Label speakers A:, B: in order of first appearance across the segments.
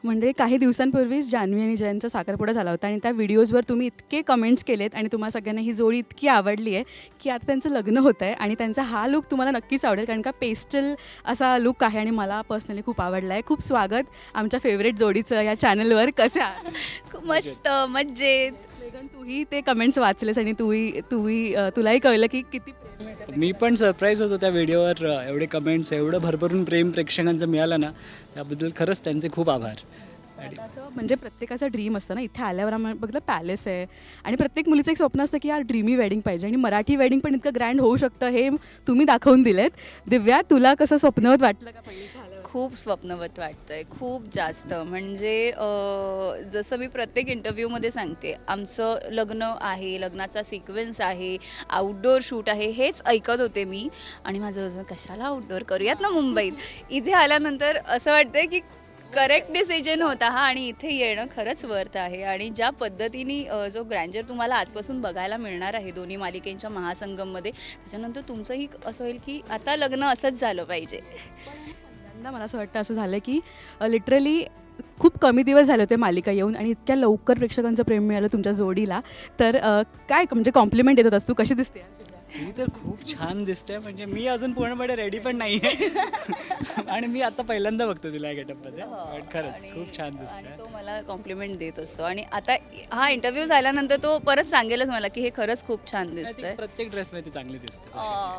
A: म्हणजे काही दिवसांपूर्वीच जान्हवी आणि जयंतचा साखरपुडा झाला होता आणि त्या व्हिडिओजवर तुम्ही इतके कमेंट्स केलेत आणि तुम्हाला सगळ्यांना ही जोडी इतकी आवडली आहे की आता त्यांचं लग्न होतं आहे आणि त्यांचा हा लुक तुम्हाला नक्कीच आवडेल कारण का पेस्टल असा लुक आहे आणि मला पर्सनली खूप आवडला आहे. खूप स्वागत आमच्या फेवरेट जोडीचं या चॅनलवर. कसं आहे?
B: खूप मस्त मज्जेत.
A: मेघन, तूही ते कमेंट्स वाचलेस आणि तुलाही कळलं की किती प्रेम आहे त्या
C: मी पण सरप्राईज होतो त्या व्हिडिओवर. एवढे कमेंट्स, एवढं भरभरून प्रेम प्रेक्षकांचं मिळालं ना, त्याबद्दल खरंच त्यांचे खूप आभार.
A: आता असं म्हणजे प्रत्येकाचा ड्रीम असतं ना, इथे आल्यावर आम्हाला बघलं पॅलेस आहे आणि प्रत्येक मुलीचं एक स्वप्न असतं की यार ड्रीमी वेडिंग पाहिजे आणि मराठी वेडिंग पण इतकं ग्रँड होऊ शकतं हे तुम्ही दाखवून दिलेत. दिव्या, तुला कसं स्वप्नवत वाटलं का पहिलं झालं?
B: खूप स्वप्नवत वाटतंय, खूप जास्त. म्हणजे जसं मी प्रत्येक इंटरव्ह्यूमध्ये सांगते, आमचं लग्न आहे, लग्नाचा सिक्वेन्स आहे, आउटडोअर शूट आहे, हेच ऐकत होते मी. आणि माझं कशाला आउटडोअर करूयात ना मुंबईत. इथे आल्यानंतर असं वाटतंय की करेक्ट डिसिजन होता हा आणि इथे येणं खरंच वर्थ आहे. आणि ज्या पद्धतीने जो ग्रँजर तुम्हाला आजपासून बघायला मिळणार आहे दोन्ही मालिकेंच्या महासंगममध्ये, त्याच्यानंतर तुमचंही असं होईल की आता लग्न असंच झालं पाहिजे.
A: पहिल्यांदा मला असं वाटतं असं झालं की लिटरली खूप कमी दिवस झाले होते मालिका येऊन आणि इतक्या लवकर प्रेक्षकांचं प्रेम मिळालं तुमच्या जोडीला. तर काय म्हणजे कॉम्प्लिमेंट देत होतास तू? कशी दिसते?
C: मी तर खूप छान दिसते. म्हणजे मी अजून पूर्णपणे रेडी पण नाही आहे आणि मी आता पहिल्यांदा बघतो तुला या गेटअपमध्ये. पण खरंच खूप छान
B: आणि
C: दिसते.
B: तो मला कॉम्प्लिमेंट देत असतो आणि आता हा इंटरव्ह्यू झाल्यानंतर तो परत सांगेलच मला की हे खरंच खूप छान दिसतंय.
C: प्रत्येक ड्रेसमध्ये ती चांगली दिसते.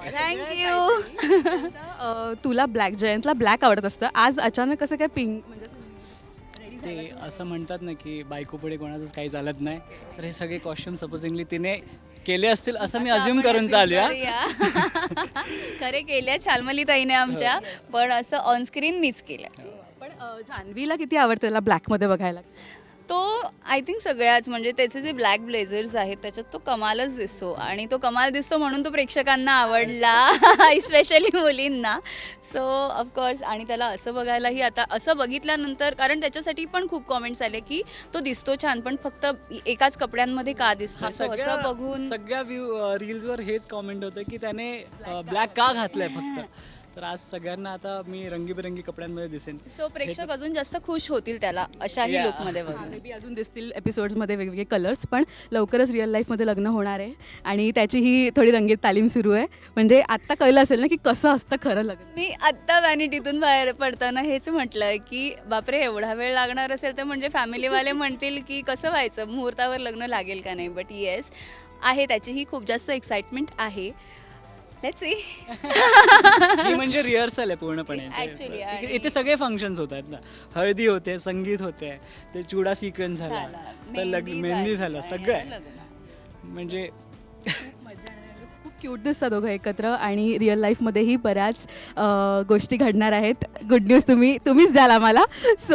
B: थँक्यू.
A: तुला ब्लॅक, जयंतला ब्लॅक आवडत असतं, आज अचानक कसं काय पिंक? म्हणजे
C: ते असं म्हणतात ना की बायको पुढे कोणाचंच काही चालत नाही, तर हे सगळे कॉस्ट्युम सपोजिंगली तिने केले असतील असं मी अज्युम करून चालूया.
B: खरे केल्या छालमली ताईने आमच्या, पण असं ऑनस्क्रीन मीच केलं.
A: पण जान्हवीला किती आवडतं त्याला ब्लॅकमध्ये बघायला?
B: तो आय थिंक सगळ्याच म्हणजे त्याचे जे ब्लॅक ब्लेझर्स आहेत त्याच्यात तो कमालच दिसतो आणि तो कमाल दिसतो म्हणून तो प्रेक्षकांना आवडला, स्पेशली मुलींना. So of course. आणि त्याला असं बघायलाही आता असं बघितल्यानंतर, कारण त्याच्यासाठी पण खूप कॉमेंट्स आले की तो दिसतो छान पण फक्त एकाच कपड्यांमध्ये का दिसतो, असं बघून
C: सगळ्या रील्सवर हेच कॉमेंट होतं की त्याने ब्लॅक का घातलंय फक्त. तर आज सगळ्यांना आता मी रंगीबेरंगी कपड्यांमध्ये दिसेन.
B: सो प्रेक्षक अजून जास्त खुश होतील त्याला अशाही लुकमध्ये बघून.
A: मे बी अजून दिसतील एपिसोड्समध्ये वेगवेगळे कलर्स. पण लवकरच रिअल लाईफमध्ये लग्न होणार आहे आणि त्याची ही थोडी रंगीत तालीम सुरू आहे. म्हणजे आत्ता कळलं असेल ना की कसं असतं खरं लग्न.
B: मी आत्ता व्हॅनिटीतून बाहेर पडताना हेच म्हटलं की बापरे एवढा वेळ लागणार असेल तर म्हणजे फॅमिलीवाले म्हणतील की कसं व्हायचं, मुहूर्तावर लग्न लागेल का नाही. बट येस आहे, त्याचीही खूप जास्त एक्साइटमेंट आहे. Let's see.
C: ही म्हणजे रिहर्सल आहे पूर्णपणे.
B: Actually,
C: इथे सगळे फंक्शन्स होत आहेत ना. हळदी होते, संगीत होते, ते चुडा सिक्वेन्स झाला, तर मेहंदी झालं, सगळं आहे. म्हणजे
A: खूप क्यूट दिसतात दोघं एकत्र आणि रिअल लाईफमध्येही बऱ्याच गोष्टी घडणार आहेत. गुड न्यूज तुम्हीच द्याल आम्हाला.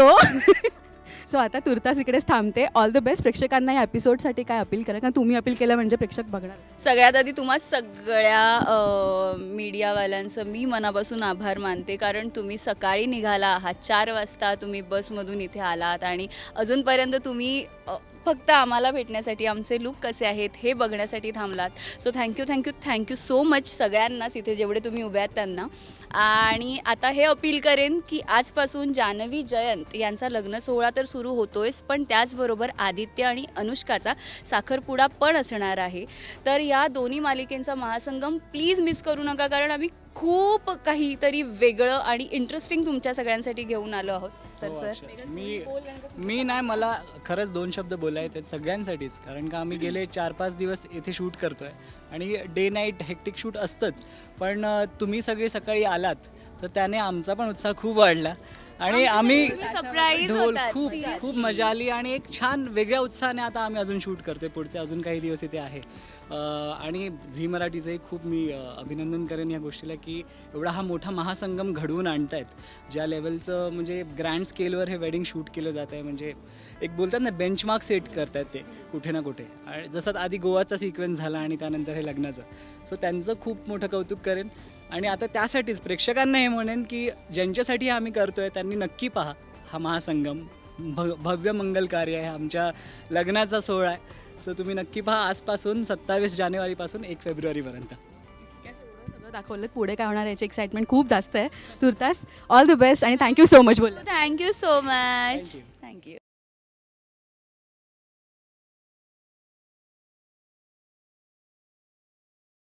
A: सो आता तुर्तास इकडेच थांबते. All the best. प्रेक्षकांना या एपिसोडसाठी काय अपील करा, कारण तुम्ही अपील केलं म्हणजे प्रेक्षक बघणार.
B: सगळ्यात आधी तुम्हा सगळ्या मीडियावाल्यांचं मी मनापासून आभार मानते, कारण तुम्ही सकाळी निघाला आहात, 4 वाजता तुम्ही बसमधून इथे आलात आणि अजूनपर्यंत तुम्ही फक्त आम्हाला भेटण्यासाठी, आमचे लुक कसे आहेत हे बघण्यासाठी थांबलात. सो थँक्यू सो मच सगळ्यांनाच इथे जेवढे तुम्ही उभे आहात त्यांना. आणि आता हे अपील करेन की आजपासून जान्हवी जयंत यांचा लग्न सोहळा तर सुरू होतोयच, पण त्याचबरोबर आदित्य आणि अनुष्काचा साखरपुडा पण असणार आहे. तर या दोन्ही मालिकेंचा महासंगम प्लीज मिस करू नका, कारण आम्ही खूप काहीतरी वेगळं आणि इंटरेस्टिंग तुमच्या सगळ्यांसाठी घेऊन आलो आहोत. तर सर
C: मी नाही, मला खरंच 2 शब्द बोलायचे आहेत सगळ्यांसाठीच. कारण का आम्ही गेले 4-5 दिवस इथे शूट करतोय आणि डे नाईट हेक्टिक शूट असतंच. पण तुम्ही सगळे सकाळी आलात तर त्याने आमचा पण उत्साह खूप वाढला आणि आम्ही
B: सरप्राईज
C: खूप मजा आली आणि एक छान वेगळ्या उत्साहाने आता आम्ही अजून शूट करतोय. पुढचे अजून काही दिवस इथे आहे. आणि झी मराठीचंही खूप मी अभिनंदन करेन या गोष्टीला की एवढा हा मोठा महासंगम घडवून आणतायत. ज्या लेवलचं म्हणजे ग्रँड स्केलवर हे वेडिंग शूट केलं जात आहे, म्हणजे एक बोलतात ना बेंचमार्क सेट करतायत ते कुठे ना कुठे. आणि जसं आधी गोवाचा सिक्वेन्स झाला आणि त्यानंतर हे लग्नाचं. सो त्यांचं खूप मोठं कौतुक करेन. आणि आता त्यासाठीच प्रेक्षकांना हे म्हणेन की ज्यांच्यासाठी आम्ही करतोय त्यांनी नक्की पहा हा महासंगम. भव्य मंगल कार्य आहे, आमच्या लग्नाचा सोहळा आहे. सो तुम्ही नक्की पहा आजपासून 27 जानेवारीपासून 1 फेब्रुवारीपर्यंत.
A: सगळं दाखवलं. पुढे काय होणार याची एक्साइटमेंट खूप जास्त आहे. तुर्तास ऑल द बेस्ट आणि thank you so much.
B: Thank you so much.